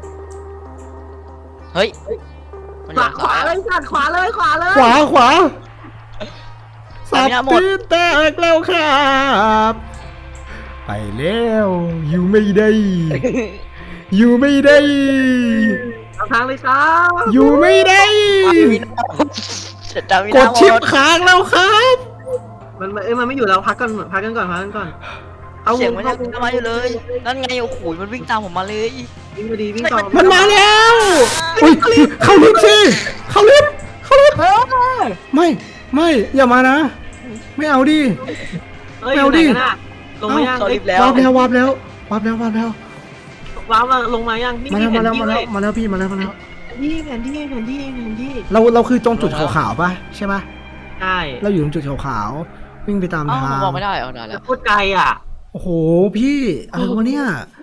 Speaker 3: เฮ้ยมันอ
Speaker 2: ข
Speaker 3: ยู่
Speaker 2: วาขวา
Speaker 3: ซ้าย
Speaker 2: เลยจัดขวาเลยขวาเลย
Speaker 1: ขวาขวาสั
Speaker 3: สา
Speaker 1: บ
Speaker 3: มินาหมด
Speaker 1: ตีแตกแล้วครับ ไปแล้วอยู่ไม่ได้ อยู่ไม่ได้
Speaker 2: เอาทางเลยครับ
Speaker 1: อยู่ไม่ได้
Speaker 3: จำไม่
Speaker 1: ก
Speaker 3: ได้
Speaker 1: ดชิปค้างแล้วครับ
Speaker 2: มันเอ้ยมันไม่อยู่แล้วพักก่อนพักกันก่อนพักกันก่อนเอา
Speaker 3: เสียงมัน
Speaker 2: เข้า
Speaker 3: ยังมาอยู่เลย นั่นไงโอ้โหมันวิ่งตามผมมาเลย
Speaker 2: วิ่งไปดีวิ่งต่อ
Speaker 1: มันมาแล้วอุ้ยเข้าลิฟต์สิเข้าลิฟต์เข้าลิฟต์ไม่ไม่อย่ามานะ ไม่เอาดิ
Speaker 2: เอ้ย
Speaker 1: ไม่เอาดิ
Speaker 2: อยู่ไหนกันน่ะลงมายัง
Speaker 3: เข้า
Speaker 2: เอ้
Speaker 3: ลิ
Speaker 2: ย
Speaker 3: ฟต์แล้ว
Speaker 1: วาบแล้ววาบแล้ววาบแล้ววาบแล้ว
Speaker 2: ว้าวมาลงมายังนี่
Speaker 1: มาแล้ว
Speaker 2: แผ
Speaker 1: มาน แล้ว
Speaker 2: ที่
Speaker 1: มาแล้ว
Speaker 2: เว้ย
Speaker 1: มาแล้วพี่มาแล้วมาแล้ว
Speaker 2: แผนที่แผนที่แผนที่แผนที่
Speaker 1: เราเราคือตรงจุดขาวๆป่ะใช่ป่ะ
Speaker 2: ใช่
Speaker 1: เราอยู่ตรงจุดขาวๆวิ่งไปตาม
Speaker 3: อ้าว
Speaker 1: ทา
Speaker 3: ผม
Speaker 1: ง
Speaker 3: บอกไม่ได้เอาได้แล้ว
Speaker 2: โคตรไกลอ่ะ
Speaker 1: โอ้โหพี่อะไรวะเนี่ย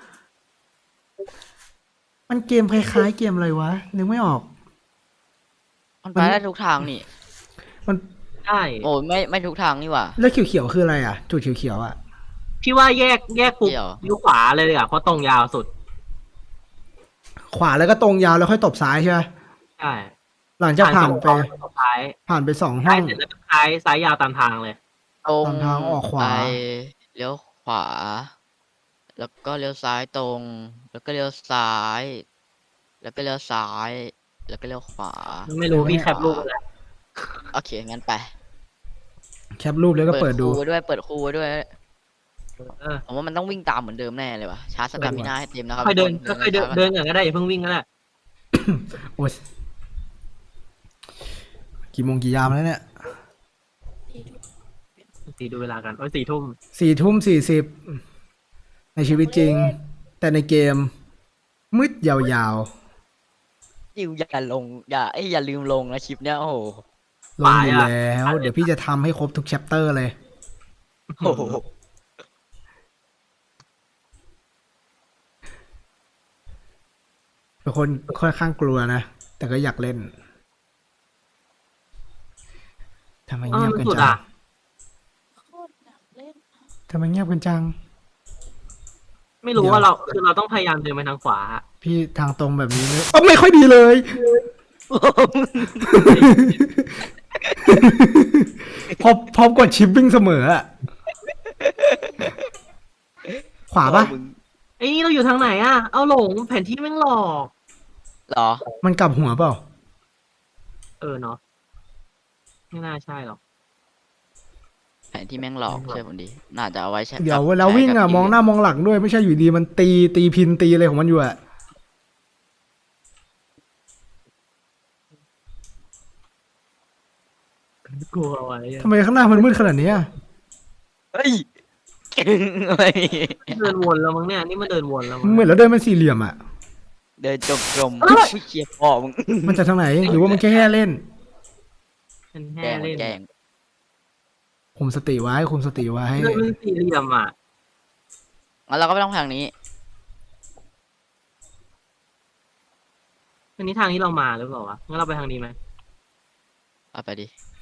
Speaker 1: มันเกมคล้ายๆเกมอะไรวะนึกไม่ออก
Speaker 3: มันไปได้ทุกทางนี่
Speaker 1: มัน
Speaker 2: ใช่
Speaker 3: โอ้ยไม่ไม่ทุกทางนี่หว่า
Speaker 1: แล้วเขียวๆคืออะไรอ่ะ จุดเขียวๆอ่ะ
Speaker 2: พี่ว่าแยกแยกปุ๊บ
Speaker 3: เดี๋ยว
Speaker 2: เลี้ยวขวาเลยอ่ะเพราะตรงยาวสุด
Speaker 1: ขวาแล้วก็ตรงยาวแล้วค่อยตบซ้ายใช่ไหม
Speaker 2: ใช่
Speaker 1: หลังจากผ่านไป
Speaker 2: สุดท้าย
Speaker 1: ผ่านไปสองห้
Speaker 2: ซ้า
Speaker 1: อย ง
Speaker 2: เสร็จแล้วก็ซ้ายซ้ายยาวตามทางเลย
Speaker 3: ตรง
Speaker 1: ตามทางออกขวา
Speaker 3: ไปเลี้ยวขวา แล้วก็เลี้ยวซ้ายตรง แล้วก็เลี้ยวซ้าย แล้วก็เลี้ยวซ้าย แล้วก็เลี้ยวขวา
Speaker 2: ไม่รู้พี่แคปรูปอะไร
Speaker 3: โอเคงั้นไป
Speaker 1: แคปรูปแล้วก็เปิดดู
Speaker 3: คู่ไว้ด้วยเปิดคู่ไว้ด้วย
Speaker 2: เออ
Speaker 3: ผมว่ามันต้องวิ่งตามเหมือนเดิมแน่เลยว่ะชาร์จสตามิน่าให้เต็มนะครับ
Speaker 2: ค่อยเดิน
Speaker 3: ทุก
Speaker 2: ค่อยๆเดิน
Speaker 3: ช้าๆ
Speaker 2: เดินอย่างก็ได้อย่าเพิ่งวิ่งก็ได้
Speaker 1: โอ้ยกี่โมงกี่ยามแล้วเนี่ย
Speaker 2: สีดูเวลากันโอ้ยสี่ทุ่ม
Speaker 1: สี่ทุ่มสี่สิบในชีวิตจริง แต่ในเกม มืดยาว
Speaker 3: ยิวอย่าลงอย่าไอยอย่าลืมลงนะคลิปเนี้ยโอ้โห
Speaker 1: ๆลงอยู่แล้ว เดี๋ยวพี่จะทำให้ครบทุกแชปเตอร์เลย
Speaker 3: โอ้โห
Speaker 1: เป็นคนค่อนข้างกลัวนะ แต่ก็อยากเล่นทำไม
Speaker 2: เออ
Speaker 1: เงียบ
Speaker 2: มัน
Speaker 1: กัน
Speaker 2: สุด
Speaker 1: จั
Speaker 2: อ่ะ
Speaker 1: ง
Speaker 4: โคตรอยากเล่น
Speaker 1: ทำไมเงียบกันจัง
Speaker 2: ไม่รู้ว่าเราคือเราต้องพยายามเดินไปทางขวา
Speaker 1: พี่ทางตรงแบบนี้เนี่ยอ๋อไม่ค่อยดีเลย พอพอกดชิปวิ่งเสมออะขวาปะ
Speaker 3: มึง
Speaker 2: ไอ้นี่เราอยู่ทางไหนอ่ะ เอาหลงแผนที่แม่งหลอก
Speaker 3: เหรอ
Speaker 1: มันกลับหัวเปล่า
Speaker 2: เออเนาะไม่น่าใช่หรอก
Speaker 3: แผนที่แม่งหลอกเชื่อผมดิน่าจะเอาไว้ใช้
Speaker 1: เดี๋ยว
Speaker 3: กับ
Speaker 1: เวลาวิ่งอะ
Speaker 3: ใช้กับ
Speaker 1: มองหน้ามองหลังด้วยไม่ใช่อยู่ดีมันตีตีพินตีอะไรของมันอยู่อะ
Speaker 2: กลัวไว้อะ
Speaker 1: ทำไมข้างหน้ามันมืดขนาดนี้อะ
Speaker 3: เฮ้ยเก่งอะไร
Speaker 2: เดินวนแล้วมั้งเนี่ยนี่มันเดินวนแล้วมั้ง
Speaker 1: เหมือนเราเดินเป็นสี่เหลี่ยมอะ
Speaker 3: เดินจมกลมผู้เชียร์พ่อมึง
Speaker 1: มันจะทางไหน หรือว่ามันแค่แค่เล่น
Speaker 2: เป็น
Speaker 3: แก
Speaker 2: แห่
Speaker 3: ล้ง
Speaker 2: เล่น
Speaker 3: แกล้ง
Speaker 1: คุมสติไว้คุมสติไว้
Speaker 2: เดินเป็นสี่เหลี่ยมอ่ะ
Speaker 3: งั้นเราก็ไม่ต้องทางนี้
Speaker 2: อันนี้ทางที่เรามาหรือเปล่าวะงั้นเราไปทางนี้ไหม
Speaker 3: เอาไปดิ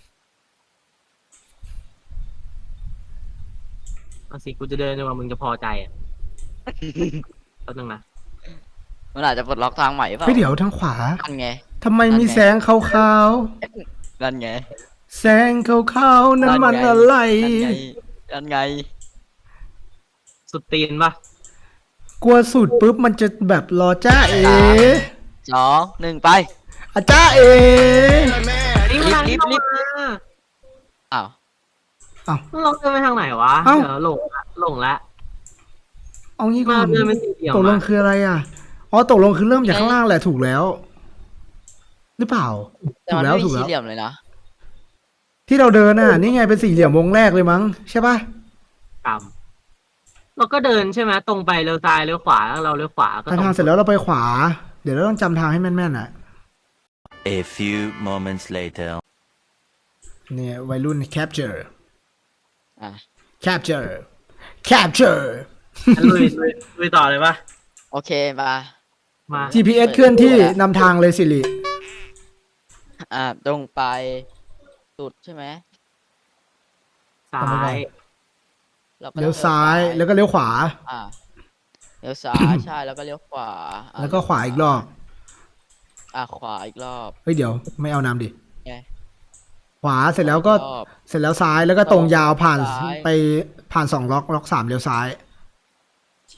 Speaker 2: เอาสิกูจะเดินจนกว่ามึงจะพอใจอ่ะแป๊บนึงนะ
Speaker 3: มันอาจจะปลดล็อกทางใหม่เปล่า
Speaker 1: เฮ้ยเดี๋ยวทางขวา
Speaker 3: นั่นไง
Speaker 1: ทำไมมีแสงขาว
Speaker 3: นั่นไง
Speaker 1: ๆแสงขาวๆนั่นมันอะไร
Speaker 3: นั่นไงนั่นไง
Speaker 2: สุดตีนปะ
Speaker 1: กลัวสุดปุ๊บมันจะแบบรอจ้าเอ
Speaker 3: สองหนึ่งไป
Speaker 1: อาจ้าเอ
Speaker 2: นี่มันทางที่เรา
Speaker 3: รีบ
Speaker 2: มา
Speaker 3: อ้าว
Speaker 2: เราเดินไปทางไหนวะ
Speaker 1: เอ้า
Speaker 2: เดี๋ยวหลงละหลงละ
Speaker 1: เอางี้ก่
Speaker 2: มา
Speaker 1: อน
Speaker 2: เดินเป็นสี่เหลี่ยม
Speaker 1: ตกลง
Speaker 2: อะ
Speaker 1: คืออะไรอ่ะ อ๋อตกลงคือเริ่มจากข้างล่างแหละถูกแล้ว หรือเปล่า
Speaker 3: แต่
Speaker 1: ถู
Speaker 3: มั
Speaker 1: ก
Speaker 3: น
Speaker 1: แล้ว
Speaker 3: ไม่มี
Speaker 1: ถูก
Speaker 3: สี่
Speaker 1: แล้ว
Speaker 3: เหลี่ยมเลยนะ
Speaker 1: ที่เราเดินน่ะ นี่ไงเป็นสี่เหลี่ยมวงแรกเลยมั้งใช่ปะ
Speaker 2: กรรมเราก็เดินใช่ไหมตรงไปเลี้ยวซ้ายเลี้ยวขวาแล้วเราเลี้ยวขวาก็
Speaker 1: ถ้า
Speaker 2: ตรง
Speaker 1: ทางเสร็จแล้วเราไปขวา เดี๋ยวเราต้องจำทางให้แม่นๆอ่ะ
Speaker 6: A few moments later.
Speaker 1: เนี่ยวัยรุ่น capture
Speaker 3: อ่ะ
Speaker 1: capture capture
Speaker 2: งั้นลุยลุยลุยต่อเลยปะ
Speaker 3: โอเคมา
Speaker 2: มา
Speaker 1: จี พี เอส เคลื่อนที่นำทางเลยสิริ
Speaker 3: อ่าตรงไปสุดใช่ไหม
Speaker 2: ซ้าย
Speaker 3: รก็
Speaker 1: เลี้ยวซ้ายแล้วก็เลี้ยวขวา
Speaker 3: อ่าเลี้ยวซ้ายใช่แล้วก็เลี้ยวขวาอ่ะ
Speaker 1: แล้วก็ขวาอีกรอบ
Speaker 3: อ่ะขวาอีกรอบ
Speaker 1: เฮ้ยเดี๋ยวไม่เอานำดิ
Speaker 3: ไง
Speaker 1: ขวาเสร็จแล้วก็
Speaker 3: รอบ
Speaker 1: เสร็จแล้วซ้ายแล้วก็ตรงยาวผ่าน
Speaker 3: ซ้าย
Speaker 1: ไปผ่านสองล็อกล็อกสามเลี้ยวซ้าย
Speaker 3: ใช่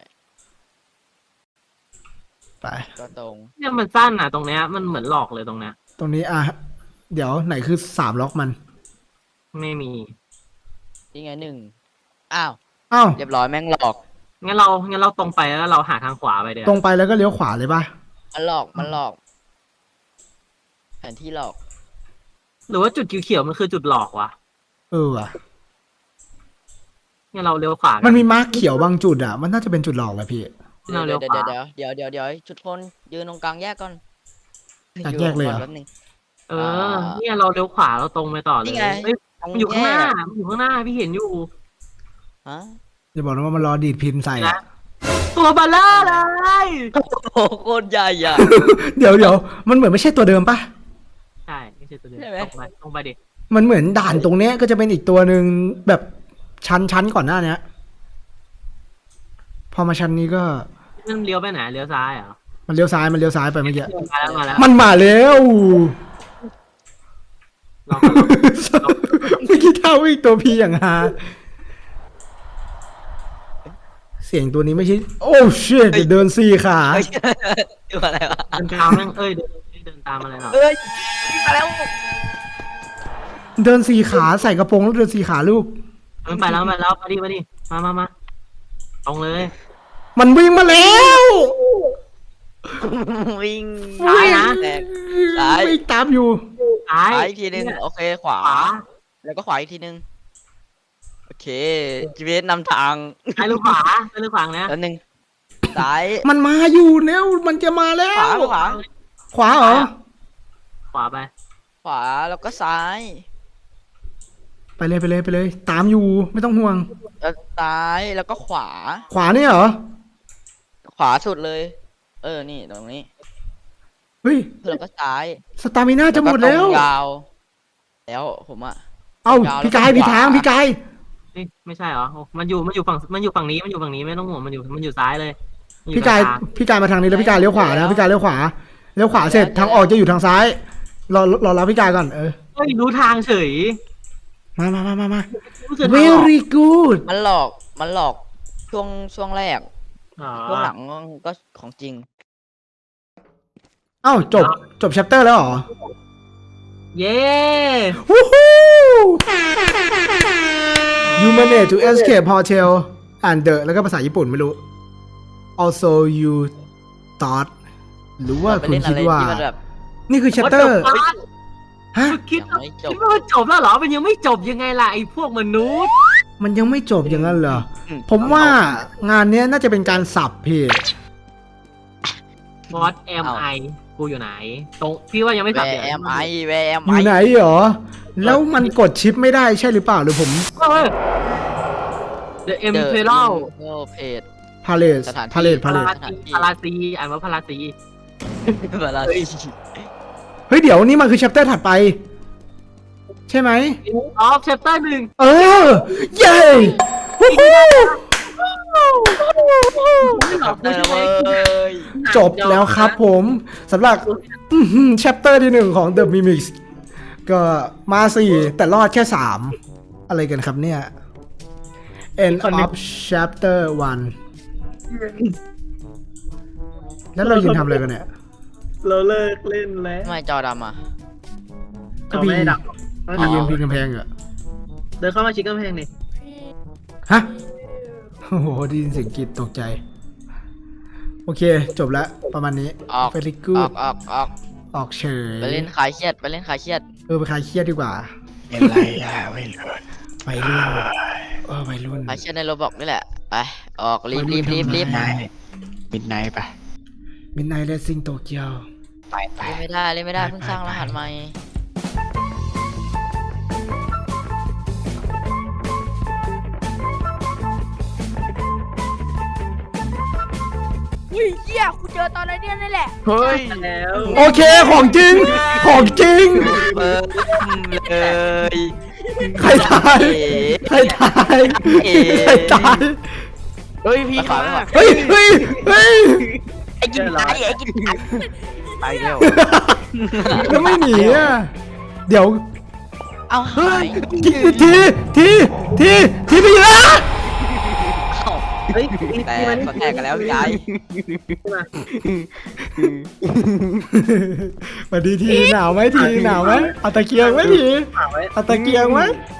Speaker 1: ไป
Speaker 3: ก็ตรง
Speaker 2: เนี่ยมันสั้นอ่ะ ตรงเนี้ยมันเหมือนหลอกเลยตรงเนี้ย
Speaker 1: ตรงนี้อ่ะเดี๋ยวไหนคือสามล็อกมัน
Speaker 2: ไม่มี
Speaker 3: นี่ไงหนึ่งอ้าว
Speaker 1: อ้าว
Speaker 3: เรียบร้อยแม่งหลอก
Speaker 2: งั้นเรางั้นเราตรงไปแล้วเราหาทางขวาไปเดี๋ยว
Speaker 1: ตรงไปแล้วก็เลี้ยวขวาเลยปะ
Speaker 3: มันหลอกมันหลอก แผนที่หลอก
Speaker 2: หรือว่าจุดเขียวๆมันคือจุดหลอกวะ
Speaker 1: เออว่ะ
Speaker 2: งั้นเราเลี้ยวขวากั
Speaker 1: มันมีมาร์คเขียวบางจุดอ่ะ มันน่าจะเป็นจุดหลอกแหละพี่
Speaker 3: เดี๋ยว
Speaker 2: เราเลี้
Speaker 3: เดี๋
Speaker 2: ย
Speaker 3: ยว ว
Speaker 2: ขวา
Speaker 3: เดี๋ยวเดี๋ยวเดี๋ยวเดี๋ยวชุดคนยืนตรงกลางแยกก่อน
Speaker 1: กลางแยกเลยเหรอ
Speaker 3: แป๊บนึง
Speaker 2: เออ เนี่ยเราเลี้ยวขวาเราตรงไปต่อเลย
Speaker 3: นี่ไง
Speaker 2: เฮ้ย
Speaker 3: ตรง
Speaker 2: มันอยู่ข้างหน้า
Speaker 3: แยก
Speaker 2: มันอยู่ข้างหน้าพี่เห็นอยู่
Speaker 3: ฮะ
Speaker 1: อย่าบอกนะว่ามันรอดีดพินใส่อะ
Speaker 2: ตัวเบลเลอร์เลย
Speaker 3: โอ้โหโคตรใหญ่อะ
Speaker 1: เดี๋ยวเดี๋ยวมันเหมือนไม่ใช่ตัวเดิมปะ
Speaker 2: ใช่ไม่ใช่ตัวเดิม
Speaker 3: ใช่ไหม
Speaker 2: ตรงไปตรงไปดิ
Speaker 1: มันเหมือนด่านตรงเนี้ยก็จะเป็นอีกตัวหนึ่งแบบชั้นชั้นก่อนหน้าเนี้ย พอมาชั้นนี้ก็
Speaker 2: มันเลี้ยวไปไหนเลี้ยวซ้ายเหรอ
Speaker 1: มันเลี้ยวซ้ายมันเลี้ยวซ้ายไปเมื่อกี้
Speaker 2: มาแล้วมาแล้ว
Speaker 1: มันมาแล้ว
Speaker 2: ลองก่อนลอง
Speaker 1: เมื่อกี้เท่าอีกตัวพีอย่างฮาเสียงตัวนี้ไม่ใช่ โอ้เชิดเดินสี่ขา
Speaker 3: เฮ้ยตัวอะไรวะ
Speaker 2: เดินตามแม่งเอ้ยเดินเดินตามอะไรหน่อย
Speaker 3: เอ้ยมาแล้ว
Speaker 1: เดินสี่ขาใส่กระโปรงแล้วเดินสี่ขาลูก
Speaker 2: มันไปแล้วมาแล้วมาดิมาดิมามามาตรงเลย
Speaker 1: มันวิ่งมาแล้ว
Speaker 3: วิ่ง
Speaker 2: ซ้ายนะ
Speaker 3: แตก ซ้าย
Speaker 1: วิ่งตามอยู่
Speaker 2: ซ้าย
Speaker 3: ซ้ายอีกทีหนึงโอเคขวา
Speaker 2: ขวา
Speaker 3: แล้วก็ขวาอีกทีหนึงโอเค จี พี เอส นำทาง
Speaker 2: ซ้ายหรือขวาซ้ายหรือขวานะ
Speaker 3: แล้วหนึ่งซ้าย
Speaker 1: มันมาอยู่แล้วมันจะมาแล้
Speaker 3: ขวาว ขวา
Speaker 1: ขวาเหรอ
Speaker 2: ขวาไป
Speaker 3: ขวาแล้วก็ซ้าย
Speaker 1: ไปเลยไปเลยไปเลย ตามอยู่ไม่ต้องห่วง
Speaker 3: แล้วซ้ายแล้วก็ขวา
Speaker 1: ขวาเนี่ยเหรอ
Speaker 3: ขวาสุดเลย เออนี่ตรงนี้
Speaker 1: เฮ้ย
Speaker 3: แล้วก็ซ้าย
Speaker 1: สตามิน่าจะหมดแล้ว
Speaker 3: ก็ตรงยาว แล้วผมอะ
Speaker 1: เอ้าพี่กายพี่ทางพี่กาย
Speaker 2: นี่ไม่ใช่เหรอโอ้มันอยู่มันอยู่ฝั่งมันอยู่ฝั่งนี้มันอยู่ฝั่งนี้ไม่ต้องห่วงมันอยู่มันอยู่ซ้ายเลยมันอยู่
Speaker 1: พี่กาย
Speaker 2: ลง
Speaker 1: พี่กายมาทางนี้แล้วพี่กายเลี้ยวขวานะพี่กายเลี้ยวขวาเลี้ยวขวาเสร็จทางออกจะอยู่ทางซ้ายรอรอรับพี่กายก่อนเออ
Speaker 2: เฮ้ยรู้ทางเฉย
Speaker 1: มามามามามา
Speaker 2: รู้สึกทางออก
Speaker 1: very good
Speaker 3: มันหลอกมันหลอกช่วงช่วงแรก
Speaker 2: อ๋อ
Speaker 3: ช่วงหลังก็ของจริง
Speaker 1: เอ้าจบจบ chapter แล้วเหรอ
Speaker 2: เย้
Speaker 1: วู้ฮู้ you manage to escape hotel and the แล้วก็ภาษาญี่ปุ่นไม่รู้ also you thought หรือว่า
Speaker 3: ไป
Speaker 1: คุณ
Speaker 3: เล่นอะ
Speaker 1: คิด
Speaker 3: ไร
Speaker 1: ว่า
Speaker 3: ที่มันแบบ
Speaker 1: นี่คือ chapter ฮะ
Speaker 2: คิด
Speaker 3: ยังไม่จบ
Speaker 2: คิดว่ามันจบแล้วเหรอมันยังไม่จบยังไงล่ะไอ้พวกมนุษย์
Speaker 1: มันยังไม่จบอย่างนั้นเหรอ
Speaker 3: อืม
Speaker 1: ผมว่างานเนี้ยน่าจะเป็นการสับเพจ
Speaker 2: บอสเอ็มไอกูอยู่ไหน ตรงพี่ว่ายังไม่
Speaker 3: แว
Speaker 2: สับ
Speaker 3: ร์
Speaker 2: เดี๋ยว
Speaker 3: แอมไอแวร์แอม
Speaker 1: อ
Speaker 3: ไอยู่
Speaker 1: ไหนเหรอ แล้วมันกดชิปไม่ได้ใช่หรือเปล่าหรือผม
Speaker 2: เฮ้ย The Imperial
Speaker 3: โอเพจ
Speaker 1: พาเลส
Speaker 3: สถานที่
Speaker 1: พาเลส
Speaker 2: พา
Speaker 1: พาเลส
Speaker 2: ราซีพาราซีอ่านว่าพาราซี
Speaker 3: เวลา
Speaker 1: เฮ้ยเดี๋ยวนี่มันคือ chapter ถัดไป ใช่ไหม
Speaker 2: ออฟเชปเตอร์หนึ่ง
Speaker 1: เออ เย้วู้ฮู้
Speaker 2: ไม่หลอกกู
Speaker 3: เออ
Speaker 2: ใช่ไหม
Speaker 3: เว้ย
Speaker 1: จบแล้วครับผมสำหรับอื้อหือ chapter ที่หนึ่งของ The Mimics ก็มาสี่แต่รอดแค่สามอะไรกันครับเนี่ย end of chapter one แล้วเรายืนทำอะไรกันเนี่ย
Speaker 2: เราเลิกเล่นแล้ว
Speaker 3: ทำไมจอดำอ่ะ
Speaker 1: ก็พี่
Speaker 2: เราไม่ได้ดับ
Speaker 1: พี่ยืนพิงกำแพงเหรอ
Speaker 2: เดินเข้ามาชิดกำแพงนี่
Speaker 1: ฮะ โอ้โหได้ยินเสียงกรีดตกใจ โอเค จบแล้วประมาณนี้
Speaker 3: ออก
Speaker 1: very
Speaker 3: อ
Speaker 1: good
Speaker 3: อกออกออก
Speaker 1: ออกเฉย
Speaker 3: ไปเล่นคลายเครียดไปเล่นคลายเครียด
Speaker 1: เออไปคลายเครียดดีกว่า
Speaker 5: เป็นไรอ่ะไม่รู้
Speaker 1: ไปรุ่นเออไปรุ่น
Speaker 3: คลายเครียดในโรบอกนี่แหละไปออกรีบรีบรีบรีบ
Speaker 1: ไป
Speaker 5: นายมิดไนท์ปะ
Speaker 1: มินไนท์เลสซิ่งโตเกียว
Speaker 5: ไปไป
Speaker 3: เล่นไม่ได้เล่นไม่ได้เพิ่งสร้างรหัสใหม่
Speaker 4: อุ้ยเหี้ยกูเจอตอนไรเนี่ยนี่แหละ
Speaker 5: เฮ้ย
Speaker 2: แล้ว
Speaker 1: โอเค ของจริง ของจริง
Speaker 3: เปิดเลย
Speaker 1: ใครตาย
Speaker 3: เอ๋
Speaker 1: ใครตาย
Speaker 3: เอ๋
Speaker 1: ใครตาย
Speaker 5: เฮ้ยพี่
Speaker 3: ขวา
Speaker 5: มา
Speaker 3: ขวา
Speaker 1: เฮ้ยเฮ้ยเฮ้ย
Speaker 3: ไอ้กินตายไอ้กินตาย
Speaker 5: ไปเร็ว
Speaker 1: แล้วไม่หนีอ่ะ เดี๋ยว
Speaker 3: เอาหาย
Speaker 1: ทีทีทีทีทีไปแล้ว
Speaker 2: เฮ้ย
Speaker 3: แต่เขาแตกกันแล้วพี่ยาย
Speaker 1: สวัสดีทีหนาวไหมทีหนาวไหมเอาตะเกียงไหมที
Speaker 2: ฝากไว้
Speaker 1: เอาตะเกียงไหม
Speaker 2: เ